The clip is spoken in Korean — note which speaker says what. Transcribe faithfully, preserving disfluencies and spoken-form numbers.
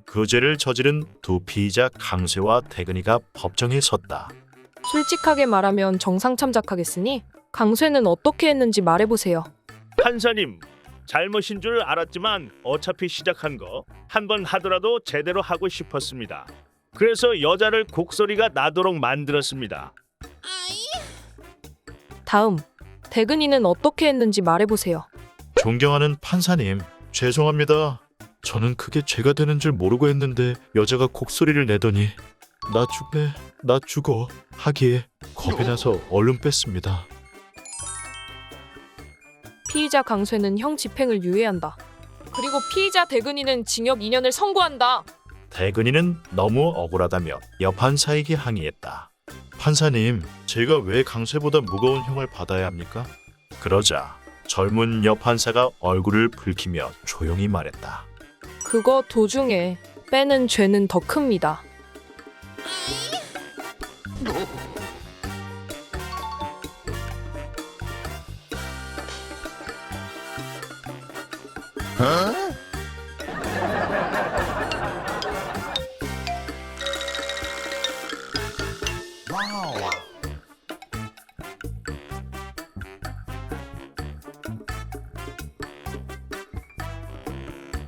Speaker 1: 그 죄를 저지른 두 피의자 강쇠와 태근이가 법정에 섰다.
Speaker 2: 솔직하게 말하면 정상 참작하겠으니 강쇠는 어떻게 했는지 말해보세요.
Speaker 3: 판사님, 잘못인 줄 알았지만 어차피 시작한 거 한 번 하더라도 제대로 하고 싶었습니다. 그래서 여자를 곡소리가 나도록 만들었습니다.
Speaker 2: 다음, 대근이는 어떻게 했는지 말해보세요.
Speaker 1: 존경하는 판사님, 죄송합니다. 저는 그게 죄가 되는 줄 모르고 했는데 여자가 곡소리를 내더니 나 죽네, 나 죽어 하기에 겁이 나서 얼른 뺐습니다.
Speaker 2: 피의자 강쇠는 형 집행을 유예한다. 그리고 피의자 대근이는 징역 이 년을 선고한다.
Speaker 1: 태근이는 너무 억울하다며 여판사에게 항의했다. 판사님, 제가 왜 강쇠보다 무거운 형을 받아야 합니까? 그러자 젊은 여판사가 얼굴을 붉히며 조용히 말했다.
Speaker 2: 그거 도중에 빼는 죄는 더 큽니다.
Speaker 4: Wow.